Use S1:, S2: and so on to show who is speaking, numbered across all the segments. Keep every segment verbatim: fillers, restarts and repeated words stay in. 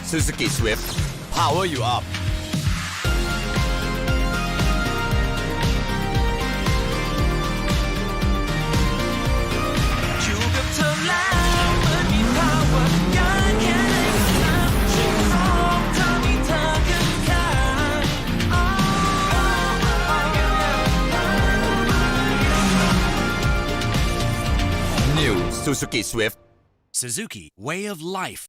S1: Suzuki Swift Power you up New Suzuki Swift
S2: Suzuki Way of Life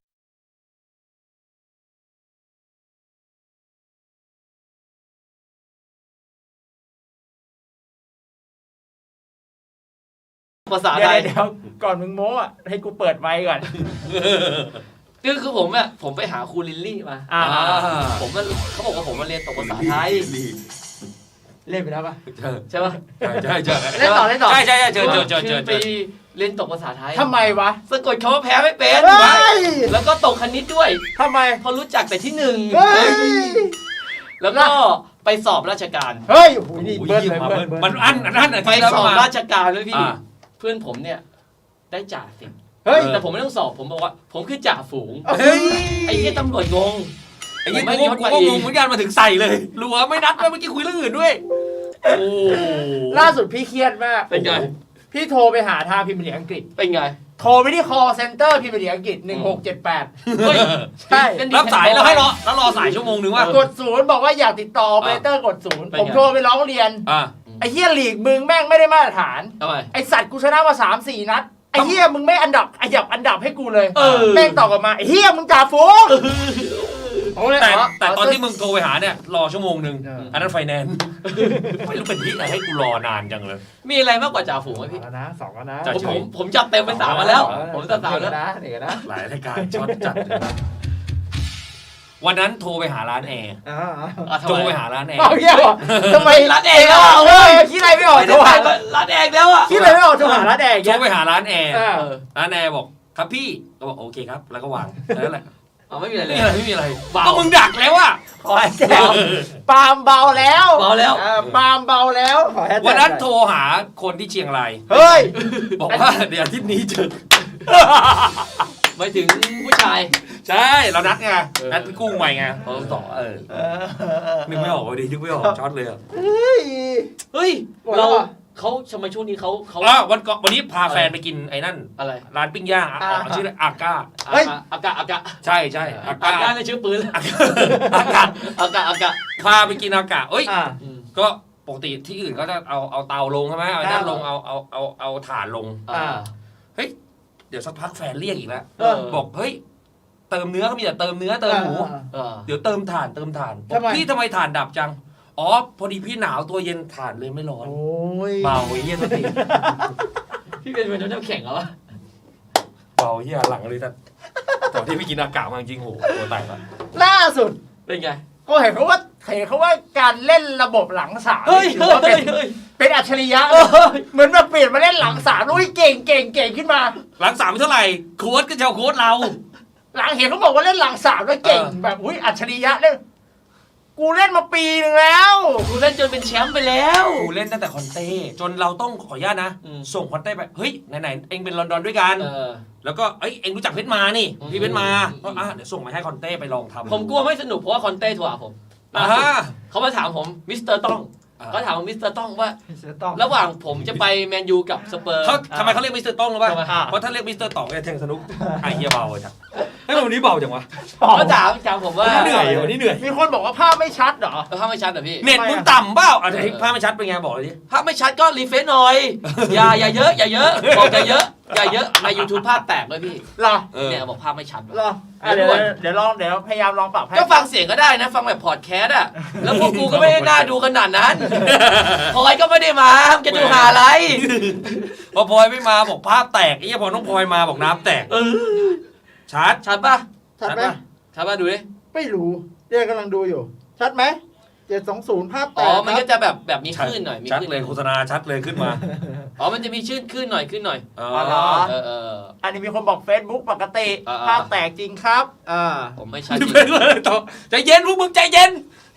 S3: ภาษา
S4: เดี๋
S3: ไท
S4: ยวย เดี๋ยวก่อนมึงโม้อะให้กูเปิดไมค์ก่อน
S3: คือคือผมอะผมไปหาครูลิลลี่มา
S4: อ่า
S3: ผมมันเขาบอกว่าผมมาเรียนตกภาษาไทย
S4: เล่นไปแล้วปะ
S3: ใช่ป่ะ
S5: ใช่ใช่ใช่
S4: เล่นต่อเล่นต่อ
S5: ใช่ใช่ใช่เชิญเชิญเชิญ
S3: คื
S5: เชิ
S3: อ
S5: ญ
S3: ไปเรียนตกภาษาไทย
S4: ทำไมวะ
S3: สะกดคำว่าแพ้ไม่เป็น
S4: เฮ้ย
S3: แล้วก็ตกคณิตด้วย
S4: ทำไม
S3: เพราะรู้จักแต่ที่หนึ่ง
S4: เฮ้ย
S3: แล้วก็ไปสอบราชการ
S4: เฮ้ยโอ้โหนี่
S5: โอ้ย
S4: เบิ้ล
S5: เยี่ยม
S4: เลย
S5: มา
S4: เบิ้ล
S5: เบิ้ล
S4: เบิ้ล
S5: มันอันอันอันอัน
S3: ไป
S5: ที่แล้ว
S3: สอบ
S5: มา
S3: ราชการด้วยพี่
S5: อ่า
S3: เพื่อนผมเนี่ยได้จ่าสิบ
S4: เฮ้ย
S3: แต่ผมไม่ต้องสอบผมบอกว่า ผมคือจ่าฝูง
S5: เฮ้ย
S3: ไอ้ที่ตำรวจงง
S5: ไอ้ยี่
S3: ไม่
S5: กู
S3: ยศ
S5: กู
S3: มา
S5: ก็
S3: อีก
S5: งงเหมือนกันมาถึงใส่เลยรัวไม่นัดด้วยเมื่อกี้คุยเรื่องอื่นด้วยโอ้
S4: ล่าสุดพี่เครียดมาก
S3: เป็นไง
S4: พี่โทรไปหาทางพิมพ์เสียงอังกฤษ
S3: เป็นไง
S4: โทรไปที่ call center พิมพ์เสียงอังกฤษหนึ่งหกเจ็ดแปด
S3: เฮ้ย
S4: ใช่
S3: เป็น
S5: รับสายแล้วให้รอแล้วรอสายชั่วโมงนึงว่าก
S4: ดศูนย์บอกว่าอยากติดต่อ operator กดศูนย์
S3: เป็น
S4: ผม
S3: ไง
S4: โทรไปร้องเรียน
S5: อ่า
S4: ไอ้เฮียลีกมึงแม่งไม่ได้มาตรฐาน
S3: ทำไม
S4: ไอ้สัตว์กูชนะมาสามสี่นัด ไอ้เฮียมึงไม่อันดับอันดับอันดับให้กูเลย
S3: เออ
S4: แม่งตอบกลับมาไอ้เฮียมึงจ่าฝูงผมเลย
S5: แต่
S4: อ๋อ
S5: แต่ตอนที่มึงโทรไปหาเนี่ยรอชั่วโมงนึง
S4: เอออั
S5: อันนั้นไฟแนนซ์ไม่รู้เป็นที่อะไรให้กูรอนานจังเลย
S3: มีอะไรมากกว่าจ่าฝูงไหม
S4: สอ
S3: พี่
S4: งแล้วนะสองแล้วนะ
S5: จ่า
S3: ผมผมผมจัดเต็มไปสามมาแล้ว ผมจัดสามแล้ว
S4: นะเดี๋ยวนะ
S5: หลายรายการช็อตจัดเลยนะวันนั้นโทรไปหาร้านแอร์
S4: อ่า
S3: อ่ะทำ
S5: โทร
S3: ไม
S5: ไปหาร้านแอร์
S4: เอาเฮียบอกทำไม
S3: ร้านเองแล้วอ่ะ
S4: เฮ้ยคิดอะไรไม่ออก
S3: ไม่
S4: โทร
S3: ได้
S4: หา
S3: ผ่านร้านเองแล้วอ่ะ
S4: คิดอะไรไม่ออกโทรหาร้านแดง
S5: โทรไปหาร้านแอร์
S4: เออ
S3: เออ
S5: ร้านแอร์บอกครับพี่ก็บอกโอเคครับแล้วก็วางนั่นแหละ
S3: เอาไม่มีอะไรเล
S5: ไม่
S3: ย
S5: มีอะไรไม่มีอะไร
S3: เบา
S5: ก็มึงดักแล้วอะ
S4: ขอให้แจ้งปาล์มเบาแล้ว
S3: เบาแล้ว
S4: ออปาล์มเบาแล้วขอให้แจ้ง
S5: วันนั้นโทรหาคนที่เชียงราย
S4: เฮ้ย
S5: บอกว่าเดี๋ยวอาทิตย์นี้เจอ
S3: ไม่ถึงผู้ชาย
S5: ใช่เรานัดไง
S3: เออ
S5: นัดพี่กุ้งใหม่ไงเขาต่อเออ
S4: เออ
S5: นึกไม่ออกเลยดินึกไม่ออกช็อตเลยอะ
S4: เฮ้ย
S3: เฮ้ย
S4: หมดแล้
S3: เรา
S4: วอ่ะ
S3: เขาทำไมช่วงนี้เขาเขา
S5: อ๋อวันก่อนวันนี้พาแฟนไปกินไอ้นั่น
S3: อะไร
S5: ร้านปิ้งย่างอ่ะ
S4: อ่า
S5: อ๋อชื่ออะไรอาก้า
S4: เฮ้ย
S3: อ่ะอากาอากา
S5: ใช่ใช่อา
S3: อา
S5: ก้าก
S3: าในชื่อปืน
S5: อากา
S3: อากาอากา
S5: พาไปกินอากาเอ้ย
S4: อ่า
S3: อืม
S5: ก็ปกติที่อื่นเขาจะเอาเอาเตาลงใช่ไหมเอาไอ้นั่น
S4: อ่า
S5: ลงเอาเอาเอาเอาถ่านลง
S3: อ่า
S5: เดี๋ยวสักพักแฟนเรียกอีกแล้ว
S3: เออ
S5: บอกเฮ้ยเติมเนื้อเขามีแต่เติมเนื้อเติมหมู
S3: เออ
S5: เดี๋ยวเติมถ่านเติมถ่านบอ
S4: ทำ
S5: ก
S4: ไม
S5: พี่ทำไมถ่านดับจัง อ๋อ พอดีพี่หนาวตัวเย็นถ่านเลยไม่ร้อน
S4: โอ้ย
S5: เบาเยี่ยตัวที
S3: พี่เป็นเป็นน้ำแข็งเหรอวะ
S5: เบาเยี่ยหลังเลยแต่ตอนที่พี่กินอากาศมาจริงๆโหตัวแตกอะ
S4: ล่าสุด
S3: เป็นไง
S4: ก็เห็นเขาว่าเห็นเขาว่าการเล่นระบบหลังสาม
S3: เฮ้ย
S4: ถือ
S3: เฮ้ย
S4: ว่าเป็
S3: เฮ้
S4: น
S3: ยเฮ้ย
S4: เป็นอัจฉริยะ
S3: เฮ้ย
S4: เหมือนแบบเปลี่ยนมาเล่นหลังสามอุ้ยเก่งเก่งเก่งขึ้นมา
S5: หลังสามไม่เท่าไหร่โค้ดก็จะเอาโค้ดเรา
S4: หลังเห็นเขาบอกว่าเล่นหลังสามแล้วเก่ง
S5: เออ
S4: แบบอุ้ยอัจฉริยะเล่นกูเล่นมาปีหนึ่งแล้ว
S3: กูเล่นจนเป็นแชมป์ไปแล้ว
S5: กูเล่นตั้งแต่คอนเต้จนเราต้องขออนุญาตนะ
S3: อืม
S5: ส่งคอนเต้ไป เฮ้ย ไหนๆ เองเป็นลอนดอนด้วยกัน
S3: เออ
S5: แล้วก็เอ้ย เองรู้จักเพชรมานี่
S3: อืม
S5: พี่เพชรมา
S3: อืม
S5: ก็อ่ะเดี๋ยวส่งมาให้คอนเต้ไปลองทำ
S3: ผมกลัวไม่สนุกเพราะว่าคอนเต้โทรหาผม
S5: อ่า
S3: ล่าสุดเขามาถามผมมิสเตอร์ต้อง
S5: อ่า
S3: เขาถามผมมิสเตอร์ต้องว่า
S4: ต้อง
S3: ระหว่างผมจะไปแมนยูกับสเปอร์
S5: เขาทำไมเขาเรียกมิสเตอร์ต้องรู้ป่ะ
S3: ทำไม
S5: เพราะถ้าเรียกมิสเตอร์ต่องเนี่ยแทงสนุกไอ้เหี้ยเบาจังเฮ้ยวันนี้เบาจังวะ
S3: เขาถามถามผมว่า
S5: เหนื่อยวันนี้เหนื่อย
S4: มีคนบอกว่าภาพไม่ชัดเหรอ
S3: เออภาพไม่ชัดเหรอพี่
S5: เน็ตมึงต่ำเปล่าอ่ะเดี๋ยวให้ภาพไม่ชัดเป็นไงบอกเลยดิ
S3: ภาพไม่ชัดก็รีเฟซหน่อย อย่าอย่าเยอะอย่าเยอะบอกอย่าเยอะอย่าเยอะใน YouTube ภาพแตกเลยพี่
S4: เหรอ
S5: เออ
S3: เนี่ยบอกภาพไม่ชัด
S4: เหรออ่ะเดี๋ยวเดี๋ยวลองเดี๋ยวพยายามลองปรับให้
S3: ก็ฟังเสียงก็ได้นะ ฟังแบบพอดแคสต์อะแล้วพวกกูก็ไม่ได้น่าดูขนาดนั้นพลอยก็ไม่ได้มาจะดูหาอะไร
S5: พอพลอยไม่มาบอกภาพแตกไอ้เหี้ยพอน้องพลอยมาบอกน้ำแตก
S3: เออ
S5: ชัด
S3: ชัดป่ะ
S4: ชัดไหม
S3: ชัดป่ะดูดิ
S4: ไม่รู้เดี๋ยวกำลังดูอยู่ ชัดไหมเจ็ดสองศูนย์ภาพแต
S3: อ๋อก มันก็จะแบบแบบมีคลื่นหน่อยมี
S5: ชัด
S3: คลื่น
S5: เลยโฆษณาชัดเลยขึ้นมา
S3: อ๋อมันจะมีชื่นคลื่นหน่อยคลื่นหน่อย
S5: อ๋อ
S4: อ๋อเหรอ
S3: เออเออ
S4: อันนี้มีคนบอก Facebook ปกติ
S3: อ่าๆ
S4: ภาพแตกจริงครับอ่า
S3: ผมไม่ชัดจริง
S5: เป็นเลยต่อใจเย็นพวกมึงใจเย็น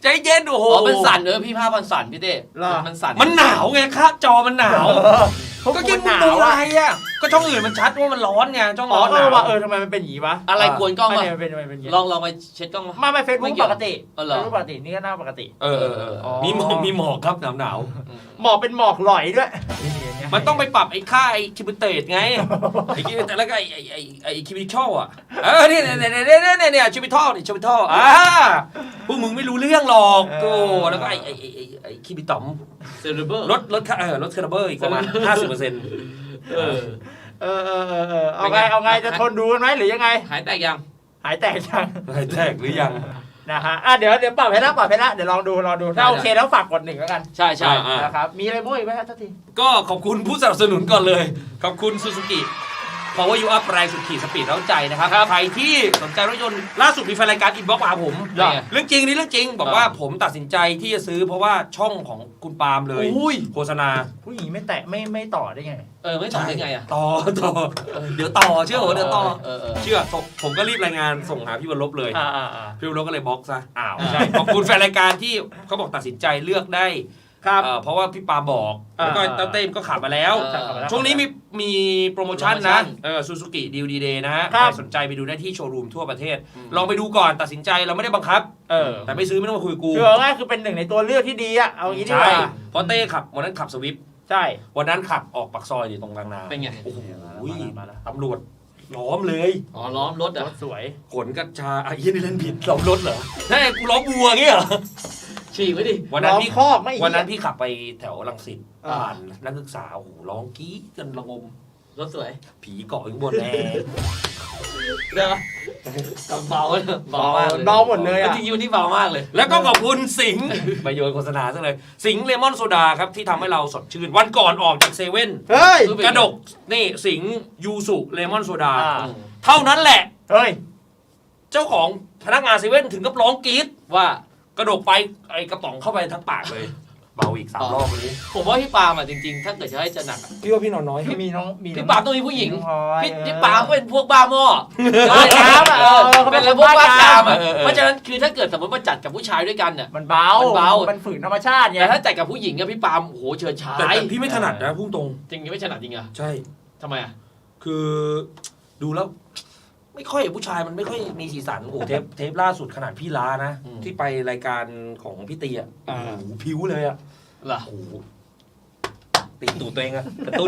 S5: ใจเย็นโอ้โห
S3: อ๋อเป็นสั่นเออพี่ภาพมันสั่นพี่เต้
S4: เหรอ
S3: มันสั่น
S5: มันหนาวไงคะจอมันหนาว
S4: เขา
S5: ก็
S4: กิ
S5: กิ
S4: น
S5: น
S4: หนาว
S5: ดูอะ
S4: อ่ะ
S5: ไรอ่ะก็ช่องอื่นมันชัดว่ามันร้อนไงช่อง
S4: อ๋อ
S5: ร้อน
S4: เอ
S5: หนา
S4: อว่าว เออทำไมมันเป็นอย่างนี้วะ
S3: อะไรกวนกล้อง
S4: ไม่
S3: วะ
S4: เนี่ยมันเป็นทำไมเป็นอย่างนี้
S3: ลองลองไปเช็ดกล้องมา
S4: ไม่ไม่เฟซบุ๊
S3: ไม่
S4: ก
S3: เกี่
S4: ป
S3: ยว
S4: กติ
S3: เออเหรอ
S4: เฟซบุ๊กปกตินี่ก็หน้าปกติ
S5: เออเออเออ
S4: อ๋อ
S5: มีหมอกมีหมอกครับหนาวหนาว
S4: หมอกเป็นหมอกหลอยด้วย
S5: มันต้องไปปรับไอ้ค่าไอ้คิบิเตตไงไอ้คิบิเตตแล้วก็ไอ้ไอ้ไอ้ไอ้คิบิชอลอ่ะเออเนี่ยเนี่ยเนี่ยเนี่ยเนี่ยเนี่ยคิบิทอลนี่คิบิทอลอ่าพวกมึงไม่รู้เรื่องหรอกโอ้แล้วก็ไอ้ไอ้ไอ้ไอ้ไอ้คิบิตอม
S3: เซเลเบอร์
S5: ลดลดค่าเออลดคาร์เบอร์อีกประมาณห้าสิบเปอร์เซ็นต์
S3: เออ
S4: เออเออเออเออเอาไงเอาไงจะทนดูกันไหมหรือยังไง
S3: หายแตกยัง
S4: หายแตกยัง
S5: อะไรแตกหรือยัง
S4: นะฮะอ่ะเดี๋ยวเดี๋ยวปรับให้ละปรับให้ละเดี๋ยวลองดูลองดูถ้าโอเคแล้วฝากกดหนึ่งแล้วกัน
S3: ใช่ใช่
S5: อ่า
S4: นะครับมีอะไรบ้างอีกไหมครับทักที
S5: ก็ขอบคุณผู้สนับสนุนก่อนเลย ขอบคุณซูซูกิ Power You Up แรงสุดขีดสปีดเร้าใจนะครับ ใครที่สนใจรถยนต์ล่าสุดมีแฟนรายการอินบ็อกซ์มาหาผม
S3: ได้ไง
S5: เรื่องจริงนี่เรื่องจริง บอกว่าผมตัดสินใจที่จะซื้อเพราะว่าช่องของคุณปาล์มเลย
S3: อุ้ย
S5: โฆษณา
S4: ผู้หญิงไม่แตะไม่ไม่ต่อได้ไง
S3: เออไม่ตอบได้ไงอ่ะ
S5: ต่อต่อเดี๋ยวต่อเชื่อผมเดี๋ยวต่อ
S3: เออเออ
S5: เชื่อผมก็รีบรายงานส่งหาพี่วรลบเลย
S4: อ่าอ่าอ่า
S5: พี่วรลบก็เลยบล็อกซะอ้าว
S3: อ่า
S5: ใช่ขอบคุณแฟนรายการที่เขาบอกตัดสินใจเลือกได้
S4: ครับ
S5: เอ่อเพราะว่าพี่ปาบอกแล้วก็
S4: อ่า
S5: เต้าเต้มก็ขับมาแล้ว
S3: เออ
S5: ช่วงนี้มีมีโปรโมชั่น
S3: โปรโมชั่
S5: นะ
S3: น
S5: เออซูซูกิดีลดีเดย์นะฮะ
S4: ครั
S5: ใค
S4: บ
S5: รสนใจไปดูได้ที่โชว์รูมทั่วประเทศ
S3: อืม
S5: ลองไปดูก่อนตัดสินใจเราไม่ได้บังคับ
S4: เออ
S5: แต่ไม่ซื้อไม่ต้องมาคุยกับกู
S4: คือเอาง่ายคือเป็นหนึ่งในตัวเลือกที่ดีอะเอางี้ดีก
S5: ใช่
S4: ว่า
S5: เพราะเต้ขับวันนั้นขับสวิฟต์
S4: ใช่
S5: วันนั้นขับออกปากซอยอยู่ตรงบางนา
S3: เป็นไง
S5: โอ้โห
S4: มาแล้ว
S5: ตำรวจล้อมเลย
S3: อ๋อล้อมรถ
S4: ร
S3: อ่ะ
S4: ถสวย
S5: ขนกัญชาไอ้ยี่นี่เล่นผิดล้อมรถเหรอใช่กูล้อมวัวเงี้ยเหรอ
S3: ฉีกไว้ดิ
S5: วันนั้น
S4: ล้อม
S5: พี่
S4: คอกไม่
S5: วันนั้นพี่ขับไปแถวรังสิต
S4: อ่า
S5: ผ่านนักศึกษาโอ้โหร้องกรี๊ดกันระงม
S3: รถสวย
S5: ผีเกาะอยู่ข้างบนแน่
S3: เด้อเบาเลยเบามากเลย
S4: เบาหมดเลยอะ
S3: จริงๆวันนี้เบามากเลย
S5: แล้วก็ขอบคุณสิงห์ ไปโยนโฆษณาซะเลย สิงห์เลมอนโซดาครับ ที่ทำให้เราสดชื่น วันก่อนออกจากเซเว่น
S4: เฮ้ย
S5: กระดก นี่สิงห์ยูสุเลมอนโซดา
S4: อ่า
S5: เท่านั้นแหละ
S4: เฮ้ย
S5: เจ้าของพนักงานเซเว่นถึงกับร้องกรี๊ด
S3: ว่า
S5: กระดกไปไอกระป๋องเข้าไปทั้งปากเลย เบาอีกสามรอบวันนี้
S3: ผมว่าพี่ปาล์มอ่ะจริงๆ ถ้าเกิดจะให้จะหนักอะ
S5: พี่ว่าพี่นอนน้อย
S4: มีน้องมีน้อง
S3: พี่ปาล์มต้องมีผู้หญิง
S4: น้อพลอย
S3: พี่
S4: เออ
S3: พี่ปาล์มก็เป็นพวกบ้าหม้อ
S4: บ้าน้ำอะ
S3: เออ
S4: เออเขาเป็
S3: เป็น
S4: น
S3: แล้วพวกบ้ากามอ่ะ
S5: เออเออ
S3: เพราะฉะนั้นคือถ้าเกิดสมมติมาจัดกับผู้ชายด้วยกันเนี่ย
S4: มันเบา
S3: มันเบา
S4: มันฝืนธรรมชาติไง
S3: แต่ถ้าจัดกับผู้หญิงอะพี่ปาล์มโอ้โหเชิญชา
S5: แต่
S3: ย
S5: แต่พี่ไม่ถนัดนะพุ่งตรง
S3: จริงๆไม่ถนัดจริงอะ
S5: ใช่
S3: ทำไมอะ
S5: คือดูแล้ว ไม่ค่อยผู้ชายมันไม่ค่อยมีสีสันโอ้โหเทปเทปล่าสุดขนาดพี่ล้านะ ที่ไปรายการของพี่เตียโอ้โหผิวเลยอะ
S3: เหรอ
S5: โอ้โหตีตูดตัวเองอะกระตุ้น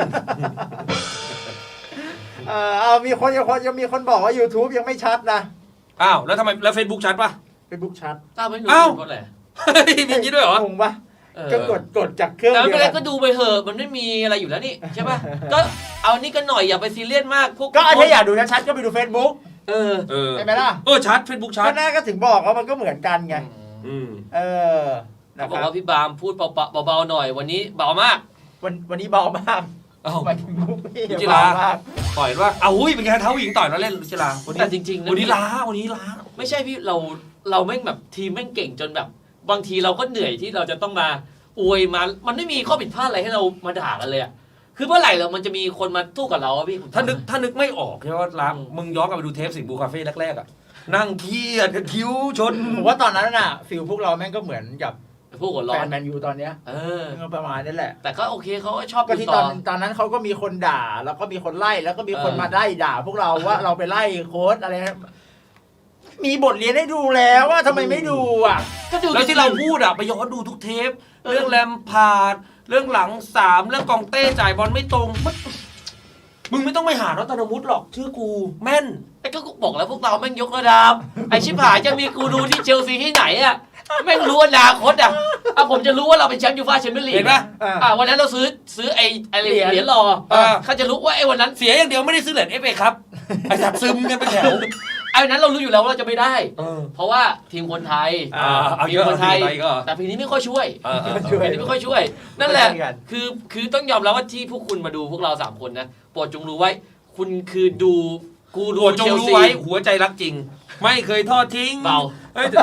S4: เออเอามีคนยังคนยังมีคนบอกว่า YouTube ยังไม่ชัดนะ
S5: อ้าวแล้วทำไมแล้วเฟซบุ๊กชัดปะ
S4: Facebook ชัด
S3: อ้าวไม่รู้
S5: อ้าว
S3: เพราะอะไร
S5: เฮ้ยมีอย่างนี้ด้วยเหรอ
S4: งงปะ
S3: เออ
S4: ก็กดกดจากเครื่อง
S3: แต่ไม่
S4: เดี
S3: เป็นไร
S4: ยว
S3: ก็ดูไปเถอะมันไม่มีอะไรอยู่แล้วนี่ใช่ป่ะ ก็เอานี่กันหน่อยอย่าไปซีเรียสมากพวก
S4: ก็ถ้าอยากดูชัดๆก็ไปดู Facebook
S3: เออ
S5: เออ
S4: ใช่ไหมล่ะ
S5: เออชัดเฟซบุ๊กชัด
S4: ก็น่าก็ถึงบอกว่ามันก็เหมือนกันไง
S5: อืม
S4: เออนะ
S3: เขาบ
S4: ค
S3: อก
S4: รับ
S3: ว่าพี่บามพูดเบาๆหน่อยวันนี้เบามาก
S4: วันวันนี้เบามาก
S5: เอ้า
S4: หมายถึงมุกพี่
S5: รุจิรา
S4: เบามาก
S5: ต่อยว่าเอาหุ้ยเป็นไงเท้าหญิงต่อยแล้วเล่นลุจิลาวันนี้
S3: แต่จริงๆนะ
S5: วันนี้ล้าวันนี้ล้า
S3: ไม่ใช่พี่เราเราแม่งแบบทีมแม่งเก่งจนแบบ บางทีเราก็เหนื่อยที่เราจะต้องมาอวยมามันไม่มีข้อผิดพลาดอะไรให้เรามาด่ากันเลยอะคือเมื่อไหร่เรามันจะมีคนมาสู้กับเราอะพี่
S5: ถ้านึกถ้านึกไม่ออกใช่ไหมว่าล้ามึงย้อนกลับไปดูเทปสิงห์บูคาเฟ่แรกๆอ่ะนั่งเครียดกับคิ้วชน
S4: ผมว่าตอนนั้นน่ะฟิลพวกเราแม่งก็เหมือนกับ
S3: พวกหัวร้อ
S4: แฟ
S3: น
S4: นแมนยูตอนเนี้ย
S3: เออ
S4: ก็ประมาณนี้แหละ
S3: แต่ก็โอเคเขาก็ชอบ
S4: ก็
S3: ดู
S4: ที่
S3: ต่
S4: ต
S3: อ
S4: อนตอนนั้นเขาก็มีคนด่า แล้วก็มีคนไล่แล้วก็มีคน
S3: เออ
S4: มาไล่ด่า พวกเราว่าเราไปไล่โค้ชอะไรนะมีบทเรียนให้ดูแล้วว่าทำไมไม่ดูอ่ะ
S3: ก็ดู
S5: แล้วที่เราพูดอ่ะไปย้อนดูทุกเทป เรื่องแรมพาร์ดเรื่องหลังสามเรื่องกองเต้จ่ายบอลไม่ตรงมันมึงไม่ต้องไปหารัตนวุฒิหรอกเชื่อกูแม่น
S3: ไอ้ก็บอกแล้วพวกเราแม่งยกระดับไอ้ชิบหายจะมีกูดูที่เชลซีที่ไหนอะแม่งรู้อนาคตอะอ่ะผมจะรู้ว่าเราเป็นแชมป์ยูฟ่าแชมเปี้ยนลีก
S5: เห็นปะ
S3: อ่ะวันนั้นเราซื้อซื้อไอ้ไอ้เหรียญเหรียญรอ
S5: เออ
S3: เขาจะรู้ว่าไอ้วันนั้น
S5: เสียอย่างเดียวไม่ได้ซื้อเหรียญเอฟเอครับไอ้สัตว์ซึมกันไปแถว
S3: ไอ้วันนั้นเรารู้อยู่แล้วว่าเราจะไม่ได้
S5: เออ
S3: เพราะว่าทีมคนไทย
S5: อ่าเอา
S3: ที
S5: เย
S3: ม
S5: อะ
S3: คนไทย
S5: เอาทีมไทยก็
S3: แต่ปีนี้ไม่ค่อยช่วย
S5: เออเออ
S4: ช่วย
S3: ปีนี้ไม่ค่อยช่วย นั่นแหละ
S4: ไม่ช่วยกัน
S3: คือคือต้องยอมรับว่าที่พวกคุณมาดูพวกเราสามคนนะโปรดจงรู้ไว้ คุณคือดูกูดู
S5: โปรดจง
S3: เชล
S5: รู้
S3: ซี
S5: ไว้หัวใจรักจริง ไม่เคยทอดทิ้ง
S3: เบา
S5: เฮ้ยแต่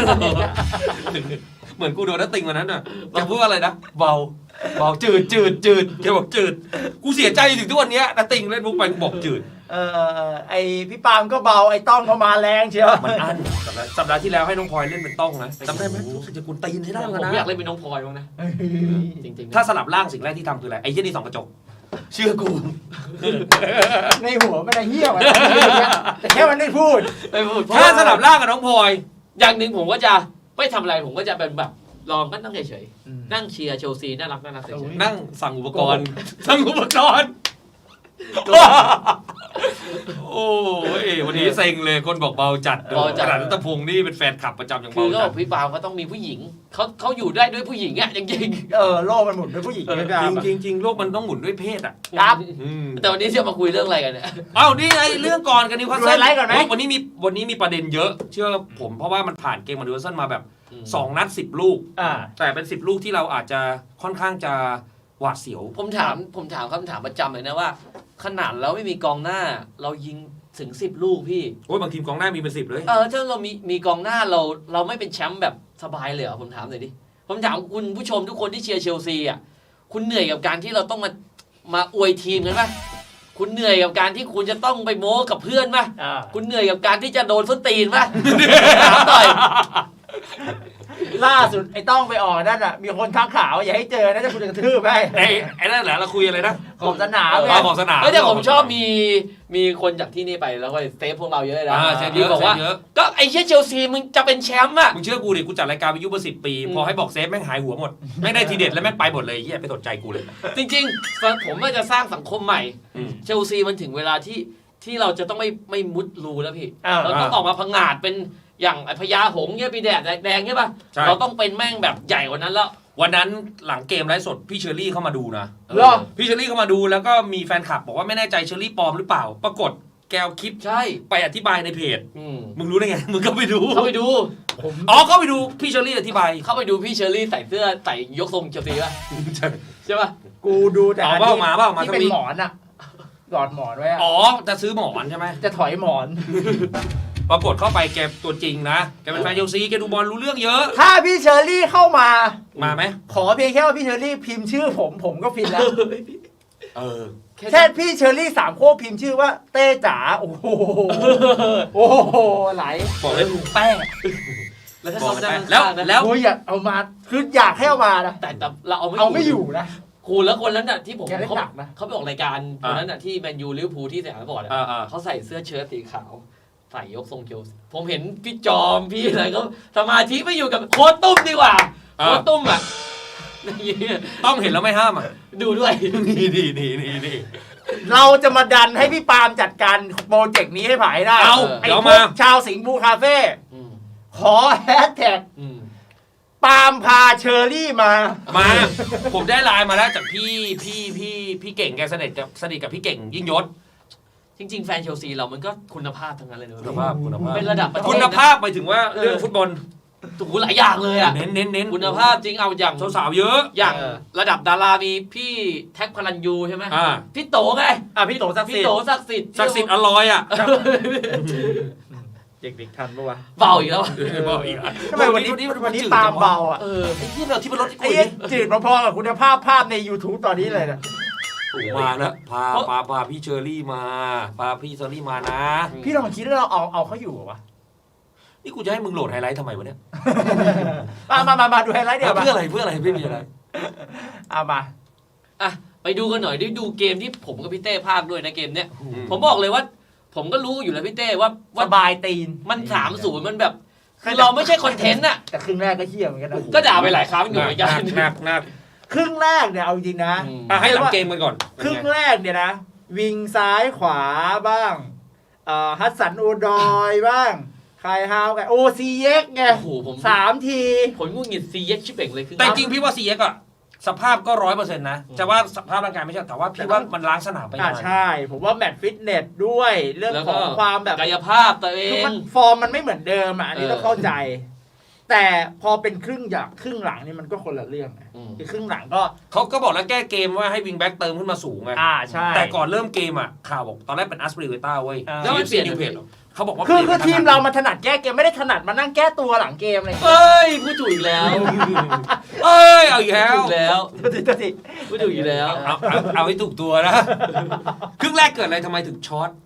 S5: เหมือนกูโดนนัตติงวันนั้นน่ะแกพูดว่าอะไรนะเบาเบาจืดจืดจืดแกบอกจืดกูเสียใจถึงทุกวันเนี้ยนัตติงเล่นมุกไปกูบอกจืด
S4: เออเออเออไอพี่ปาล์มก็เบาไอต้องก็มาแรงเชียว
S5: มันอั้นสัปดาห์สัปดาห์ที่แล้วให้น้องพลอยเล่นเป็นต้องนะจำได้ไหมรู้สึกจะกุนตีนใช่ได้
S3: ผ
S5: เหมือน
S3: ม
S5: กัน
S3: อยาก
S5: นะ
S3: เล่นเป็นน้องพลอยบ้างนะจริงๆ
S5: ถ้าสลับร่างสิ่งแรกที่ทำคืออะไรไอ้เหี้ยนี่ส่องกระจกเชื่อกู
S4: ในหัวมันไอเหี้ยวะแต่แค่มันไม่พูด
S3: ไม่พูด
S5: ถ้าสลับร่างกับน้องพลอย
S3: อย่างหนึ่งผมก็จะไม่ทำอะไรผมก็จะเป็นแบบลองก็นั่งเฉย
S4: อืม
S3: ๆนั่งเชียร์เชลซีน่ารักน่ารักเฉย
S5: นั่งสั่งอุปกรณ์สั่งอุปกรณ์โอ้ยวันนี้เซ็งเลยคนบอกเบาจัดเบาจัดรัตพงศ์นี่เป็นแฟนคลับประจำอย่าง
S3: ๆคือ
S5: เบา
S3: ก็
S5: จั
S3: บ
S5: ด
S3: อกพี่ปาล์มก็ต้องมีผู้หญิงเขาเขาอยู่ได้ด้วยผู้หญิงอ่ะจริง
S4: เออโลกมันหมุนด้วยผู้หญิงไม่ได้
S5: จริงจริงจริงโลกมันต้องหมุนด้วยเพศอ่ะ
S3: ๆ
S4: ครับ
S5: อืม
S3: แต่วันนี้จะมาคุยเรื่องอะไรกันเนี่ย
S5: เอ้านี่ไงเรื่องก่อนกันนิวคาส
S4: ดู
S5: เซิ
S4: ไฮ
S5: ล
S4: ไลท์ก่อนไหม
S5: วันนี้มีวันนี้มีประเด็นเยอะ เชื่อผมเพราะว่ามันผ่านเกมมานิวคาสเซิลมาแบบสองนัดสิบลูก
S4: อ่า
S5: แต่เป็นสิบลูกที่เราอาจจะค่อนข้างจะหวาดเสียว
S3: ผมถามผมถามคำถามประจำเลยนะว่า ขนาดเราไม่มีกองหน้า เรายิงถึงสิบลูกพี่
S5: โอ้ยบางทีมกองหน้ามีเป็นสิบเลย
S3: เออถ้าเรามีมีกองหน้าเราเราไม่เป็นแชมป์แบบสบายเลยเหรอผมถามหน่อยดิผมถามคุณผู้ชมทุกคนที่เชียร์เชลซีอ่ะคุณเหนื่อยกับการที่เราต้องมามาอวยทีมกันปะคุณเหนื่อยกับการที่คุณจะต้องไปโม้กับเพื่อนปะ
S4: อ่า
S3: คุณเหนื่อยกับการที่จะโดนส้นตีนปะถามหน่อย
S4: ล่าสุดไอ้ต้องไปออกนั่นอ่ะมีคนทักข่าวอย่าให้เจอนะจะคุณจะกระทืบไป
S5: ไอ้ไอ้นั่นแหละเราคุยอะไรนะ
S4: ขอบสนาม
S3: เออ
S4: ไง
S5: เอาของสนาม
S3: เฮ้ยแต่ผมชอบมีมีคนจากที่นี่ไปแล้วก็เซฟพวกเราเยอะเลยนะ
S5: อ่าเซฟเย
S3: ที่
S5: อะ
S3: บอก
S5: เซ
S3: ว่า
S5: ฟเยอะ
S3: ก็ไอ้เชี่ยเชลซีมึงจะเป็นแชมป์อ่ะ
S5: มึงเชื่อกูดิกูจัดรายการวิทยุมาสิบปี
S3: อืม
S5: พอให้บอกเซฟแม่งหายหัวหมดแม่งได้ทีเด็ดแล้วแม่งไปหมดเลยเฮียไม่สนใจกูเลย
S3: จริงๆผมว่าจะสร้างสังคมใหม่
S5: อืม
S3: เชลซีมันถึงเวลาที่ที่เราจะต้องไม่ไม่มุดรูแล้วพี่
S4: อ่า
S3: เราต้องออกมาพังงาดเป็นอย่างไอ้พญาหงส์เนี่ยปีแดดแดงใช่ป่ะ
S5: ใช่
S3: เราต้องเป็นแม่งแบบใหญ่กว่านั้นแล้ว
S5: วันนั้นหลังเกมไลฟ์สดพี่เชอรี่เข้ามาดูนะ
S4: เหรอ
S5: พี่เชอรี่เข้ามาดูแล้วก็มีแฟนคลับบอกว่าไม่แน่ใจเชอรี่ปลอมหรือเปล่า ปรากฏแกวคลิป
S3: ใช่
S5: ไปอธิบายในเพจ
S3: อืม
S5: มึงรู้ได้ไง มึงก็ไปดู
S3: เข้าไปดู
S4: ผม
S5: อ๋อเข้าไปดูพี่เชอรี่อธิบาย
S3: เข้าไปดูพี่เชอรี่ใส่เสื้อใส่ยกทรงเชลซีป่ะใช่ป่ะ
S4: กูดูแต่
S5: เอาเปล่ามาเปล่ามา
S4: ที่
S5: ส
S4: เป็น
S5: วิง
S4: หมอนอ่ะกอดหมอนไว้อะ
S5: อ๋อจะซื้อหมอนใช่ไหม
S4: จะถอยหมอน
S5: ปรากฏเข้าไปแกตัวจริงนะแกเป็นแฟนเชลซีแกดูบอลรู้เรื่องเยอะ
S4: ถ้าพี่เชอรี่เข้ามา
S5: มาไหม
S4: ขอเพียงแค่ว่าพี่เชอรี่พิมพ์ชื่อผมผมก็ฟินแล้ว
S5: เออ
S4: แค่พี่เชอรี่สามโคกพิมพ์ชื่อว่าเต้จ๋าโอ้โหโอ้โหไหล
S5: บอกเลย
S4: แป้ง
S3: แล้วถ้า
S5: บอก
S3: เขา
S5: เลย
S3: ได้
S5: แล้ว
S3: แล้ว
S5: แล้ว
S4: โอ้ยอยากเอามาคืออยากให้เอามานะ
S3: แต่แต่เราเอาไม่
S4: เอาไม่อยู่นะ
S3: ครูแล้วคนนั้นน่ะที่ผม
S4: แกเล่น
S3: เขา
S4: หนักนะ
S3: เขาไปออกรายการคนนั้นน่ะที่แมนยูลิเวอร์พูลที่สยามสปอร์ตอะ
S5: อ่าอ่า
S3: เขาใส่เสื้อเชิ้ตสีขาว ใส่ยกทรงเชลซีผมเห็นพี่จอมพี่อะไรก็สมาธิไม่อยู่กับโค้ชตุ้มดีกว่า
S5: อ่า
S3: โค้ชตุ้มอ่ะ
S5: ต้องเห็นแล้วไม่ห้ามอ่ะ
S3: ดูด้วย
S5: นี่นี่นี่นี่นี่
S4: เราจะมาดันให้พี่ปาล์มจัดการโปรเจกต์นี้ให้ผ่านให้ได้
S5: เอา
S4: ไอ้
S5: เดี๋ยว
S4: พว
S5: มา
S4: กชาวสิงห์บูคาเฟ่
S3: อืม
S4: ขอแฮชแท็ก
S3: อืม
S4: ปาล์มพาเชอรี่มา
S5: มา ผมได้ไลน์มาแล้วจากพี่พี่พี่พี่เก่งแกสนิทกับสนิทกับพี่เก่งยิ่งยศ
S3: จริง ๆ แฟนเชลซีเรามันก็คุณภาพทั้งนั้นเลยนะ
S5: คุณภาพคุณภาพ
S3: เป็นระดับประเทศ
S5: คุณภาพไปถึงว่าเรื่องฟุตบอล
S3: โอ้โหหลายอย่างเลยอ่ะ
S5: เน้นเน้นเน้น
S3: คุณภาพจริงเอาอย่าง
S5: สาวๆเยอะ
S3: อย่าง
S4: เออ
S3: ระดับดารามีพี่แท็กพลันยูใช่ไหม
S5: อ่า
S3: พี่โตไง
S4: อ่ะพี่โตศักดิ์
S3: พี่
S4: สิท
S3: โต
S4: ธิ์
S3: ศักดิ์สิทธิ์
S5: ศักดิ์สิทธิ์อร่อยอ่ะ
S4: เด็กๆทันปะวะ
S3: เบาอีกแล้ว
S5: บอกอีกอ่ะ
S4: ทำไมวันนี้วันนี้ปาล์มเบาอ่ะ
S3: เออ
S5: ไอ้ที่เราที่มันลดที่
S4: ไอ้
S5: คุย
S4: เหี้ยจืดพอๆกับคุณภาพภาพใน YouTube ตอนนี้เลยนะ
S5: มาแล้วพาพาพาพี่เชอรี่มาพาพี่เชอรี่มานะ
S4: พี่ลองคิดว่าเราเอาเอาเขาอยู่เหรอวะ
S5: นี่กูจะให้มึงโหลดไฮไลท์ทำไมวะเนี่ย
S4: มามามามาดูไฮไลท์เดี๋ยวมา
S5: เพื่ออะไรเพื่ออะไรไม่มีอะไร
S4: เอามา
S3: อ่ะไปดูกันหน่อยได้ดูเกมที่ผมกับพี่เต้ภาคด้วยนะเกมเนี้ยผมบอกเลยว่า ผมก็รู้อยู่แล้วพี่เต้ว่า
S4: ส
S3: ว่า
S4: บายตีน
S3: มันสามศูนย์มันแบบคือเราไม่ใช่คอนเทนต์อ่ะ
S4: แต่ครึ่งแรกก็เหี้ยเหมือนกันนะ
S3: ก็ด่าไปหลายครั้งอยู่เหมือนกัน
S5: หนักหนัก
S4: ครึ่งแรกเนี่ยเอาจริงๆนะ
S3: อืม
S5: อ่ะให้หลังเกมกันก่อน
S4: ครึ่งแรกเนี่ยนะ วิงซ้ายขวาบ้างเอ่อฮัสสันโอดอยบ้างคายฮาวกับโอซีเอ็กไง
S3: โอ้โหผม
S4: สามที
S3: ผมงุนงิดซีเย็กชิบเป่งเลยคือ
S5: แต่จริงพี่ว่าซีเอ็กอะสภาพก็ร้อยเปอร์เซ็นต์นะจะว่าสภาพร่างกายไม่ใช่แต่ว่าพี่ว่ามันล้างสนามไป
S4: อ่า
S5: นา
S4: ใช่ ผมว่าแมตช์ฟิตเนสด้วย เรื่อง
S3: แล้ว
S4: ข
S3: ก็
S4: องความแบบ
S3: กายภาพตัวเอ
S4: คือง มันฟอร์มมันไม่เหมือนเดิมอ่ะอันนี้
S3: เออ
S4: ต้องเข้าใจ แต่พอเป็นครึ่งอย่างครึ่งหลังนี่มันก็คนละเรื่องนะ
S3: อืม
S4: คือครึ่งหลังก็
S5: เขาก็บอกแล้วแก้เกมว่าให้วิงแบ็กเติมขึ้นมาสูงไง
S4: อ่าใช่
S5: แต่ก่อนเริ่มเกมอะข่าวบอกตอนแรกเป็นอัสปริเวต้าเว้ย
S4: อ่า
S5: แล้วมันเปลี่ยนนิวเพจเขาบอกว่า
S4: คือ
S5: ปลี่ยน
S4: คือทีมเรามันถนัดแก้เกมไม่ได้ถนัดมานั่งแก้ตัวหลังเกมเลย
S3: เอ้ยพูดถูกอีกแล้ว
S5: เอ้ยเอาอีก
S3: พู
S5: แล้
S3: ด
S5: ว
S3: ถูกแล้ว
S4: ตัวทีตัวที
S3: พูดถูกอีกแล้ว
S5: เอาเอาเอาให้ถูกตัวนะ ครึ่งแรกเกิดอะไรทำไมถึงช็อต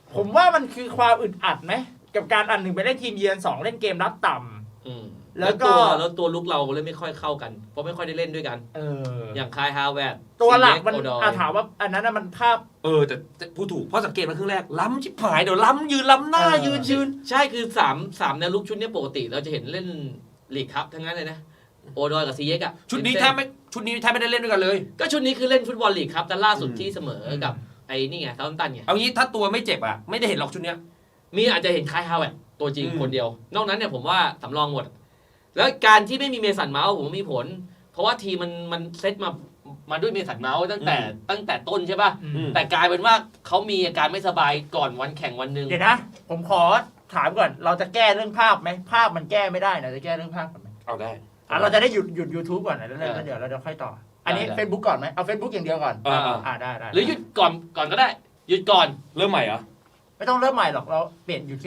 S4: ผมว่ามันคือความอึดอัดไหมกับการอันหนึ่งไปเล่นทีมเยือนสองเล่นเกมรับต่ำ
S3: อืม
S4: แล้
S3: แล้ว
S4: วก็
S3: ตัวแล้วตัวลุกเราเล่นไม่ค่อยเข้ากัน เพราะไม่ค่อยได้เล่นด้วยกัน
S4: เออ
S3: อย่างคายฮาแวร์ด
S4: ตัวหลักมัน
S3: โอดอย
S4: อาถามว่าอันนั้นน่ะมันภาพ
S5: เออแต่แต่พูดถูกเพราะสังเกตมาครึ่งแรกล้ำชิบหายเดี๋ยวล้ำยืนล้ำหน้า
S4: เออ
S5: ยืนยืน
S3: ใช่คือสามสามแนวลุกชุดเนี้ยปกติ เราจะเห็นเล่นลีกครับทั้งนั้นเลยนะโอดอยกับซีเยกอะ
S5: ชุดนี้แทบไม่ชุดนี้แทบไม่ได้เล่นด้วยกันเลย
S3: ก็ชุดนี้คือเล่นฟุตบอลลีกครับแต่ล่าสุด
S5: อืม
S3: ที่เสมอกับไอ้นี่ไงเซาท์แฮมป์ตันไง
S5: เอางี้ถ้าตัวไม่เจ็บอ่ะไม่ได้เห็นหรอกชุดเนี้ย
S3: มีอาจจะเห็นคายฮาแวร์ดตัวจริง
S5: อืม
S3: คนเดียว นอกนั้นเนี่ยผมว่าสำรองหมด แล้วการที่ไม่มีเมสันเมาส์ผมว่ามีผล เพราะว่าทีมมันมันเซตมามาด้วยเมสันเมาส์ตั้งแต่ตั้งแต่ต้นใช่ป่ะ
S5: อืม
S3: แต่กลายเป็นว่าเขามีอาการไม่สบายก่อนวันแข่งวันหนึ่ง
S4: เดี๋ยวนะ ผมขอถามก่อน เราจะแก้เรื่องภาพไหมภาพมันแก้ไม่ได้นะจะแก้เรื่องภาพก่อนไหม
S5: เอาได้
S4: อ่ะเราจะได้หยุดหยุด YouTube ก่อนนะแล้วแล้วเดี๋ยวเราจะค่อยต่อ อันนี้ Facebook ก่อนไหมเอา Facebook อย่างเดียวก่อน
S5: เออเออ
S4: อ่าได้ได้
S3: หรือหยุดก่อนก่อนก็ได้ หยุดก่อน
S5: เริ่มใหม่เหรอ
S4: ไม่ต้องเริ่มใหม่หรอกเราเปลี่ยนหยุด